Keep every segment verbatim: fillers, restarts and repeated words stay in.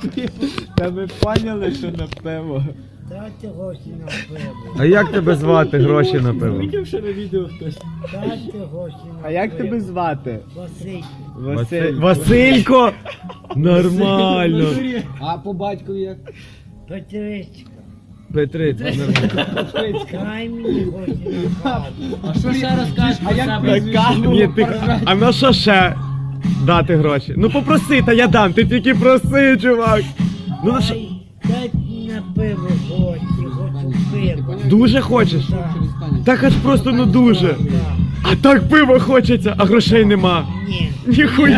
Та ми поняли, що на пиво. Дайте гроші на пиво. А як тебе звати гроші на пиво? Видів, що на відео хтось. Дайте гроші на пиво. А як тебе звати? Василь. Василь... Василько! Нормально. А по батькові як? Петричка. Петриця, нормально. Дай мені гроші на каву. А що ще розкажеш про себе? Ні, ти... А на що ще дати гроші? Ну попроси, та я дам, ти тільки проси, чувак. Ну на що? Дай, дайте на пиво гроші, хочу пиво. Дуже хочеш? Так. Так аж просто ну дуже. Так. А так пиво хочеться, а грошей нема. Ні. Ніхуя!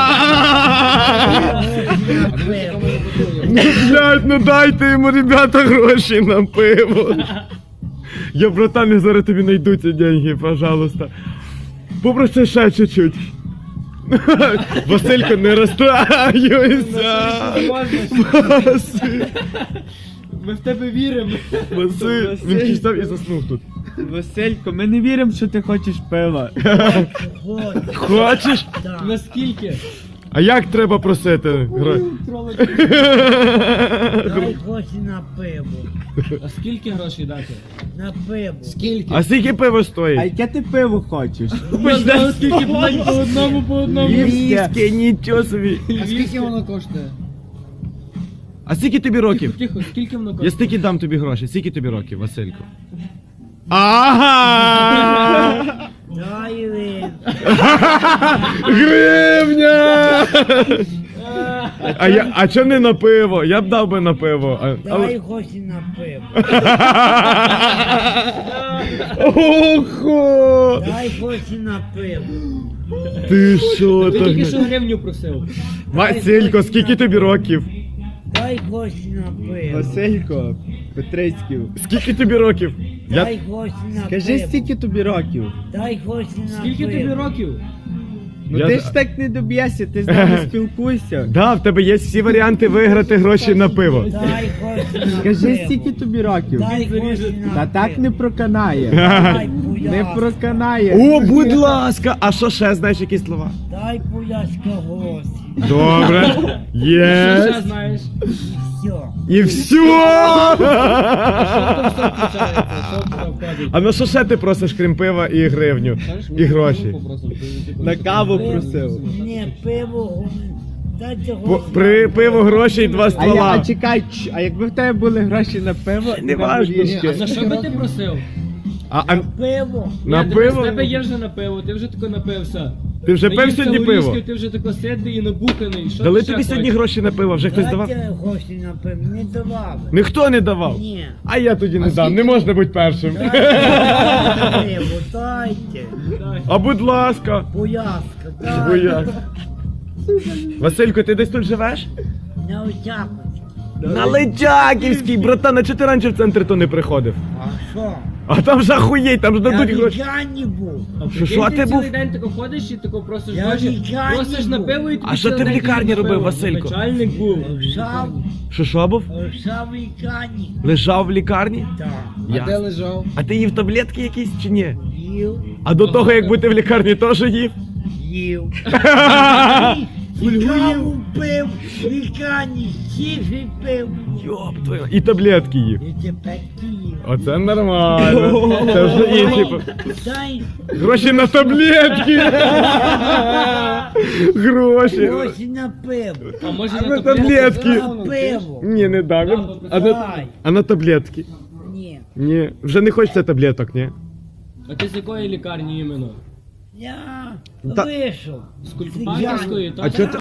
Гроші на пиво. Ну, блядь, ну дайте йому, ребята, гроші на пиво. Я, братан, я зараз тобі найду ці деньги, пожалуйста. Попроси ще чуть-чуть. Василько, не розстраюйся. Василь, Ми в тебе віримо. Василь. Він кістав і заснув тут. Василько, ми не віримо, що ти хочеш пива. Гроші. Хочеш? Так. Наскільки? А як треба просити? Гроші? Дай гроші на пиво. А скільки грошей дати? На пиво. Скільки? А скільки пиво А стоїть? яке ти пиво хочеш? Скільки блядь, по одному, по одному. Львівське, нічого собі. А скільки воно коштує? А скільки тобі років? Тихо, тихо, скільки воно Я коштує? стільки дам тобі гроші. Скільки тобі років, Василько? Ага! Дай ви. Гривня! А я, а чо не на пиво? Я б дав би на пиво. А, Дай але... гроші на пиво. Ого! Дай гроші на пиво. Ти що Ти так? тільки що гривню просив. Василько, скільки тобі років? Дай гроші на пиво. Василько, Петрицьків. Скільки тобі років? Я... Дай гроші на Скажи, пиво. скільки тобі років? Дай гроші на Скільки пиво. тобі років? Ну Я ти за- ж так не доб'єшся, ти з нами спілкуйся. Да, в тебе є всі варіанти виграти гроші на пиво. Дай гроші на Скажи, пиво. скільки тобі років? Дай гроші на Та так пиво. не проканає. Дай Не пуляска. проканає. О, будь ласка! А що ще знаєш які слова? Дай пуляска гроші. Добре. Що ще Є. знаєш? І все. І все! Що там все включається? Що туди входить? А на що ще ти просиш, крім пива і гривню? Знаєш, ми І гроші. каву попросимо, ти- ти На просто- каву просив. Ні, пиво. го- Дайте По- гроші. При пиво гроші і два А, я, а ствола. чекай, ч- а якби в тебе були гроші на пиво, Не на важно. горішки? А за що би ти просив? А, а Пиво. на Ні, дивись, пиво? в тебе є вже на пиво, ти вже тако напився. Ти вже пив Наївся сьогодні горішків, пиво? Ти вже тако сидний і набуханий. Що Дали ти ще тобі сьогодні хочеш? гроші на пиво, вже хтось давав? Дайте гроші на пиво. Не давали. Ніхто не давав. Ні. А я тоді не дам, не можна бути першим. Пиво, дайте. Дай. А будь ласка. Пуляска, Бо дайте. я. Василько, ти десь тут живеш? На Очаковській. На Личаківській, братан, а чого ти раніше в центр то не приходив? А що? А там ж ахуєть, там ж Я дадуть в гроші. лікарні був. А Що, прикинь, що, а ти ти цілий був? день тако ходиш і тако просиш Я гроші, лікарні просиш на був. пиво і тобі А що цілий ти в день лікарні на робив, пиво. Василько? Начальник був. Лежав, Що що був? лежав в лікарні. Лежав в лікарні? Так. Я. лежав? А ти їв таблетки якісь чи ні? Їв, А до того, як бути в лікарні, теж їв? їв. І каву пив, в лікарні сів і пив. Йоп твою. І таблетки їв. І тепер їв. Оце нормально. Це вже інші. по- Дай Гроші на таблетки. Гроші. гроші на пиво. А може А на на таблетки? таблетки. На пиво. Ні, не дам. Я- А на, Давай. а на таблетки? Ні. Ні. Вже не хочеться таблеток, ні? А ти з якої лікарні іменно? Я Та- вийшов. З Кулькопанківської? А чого ти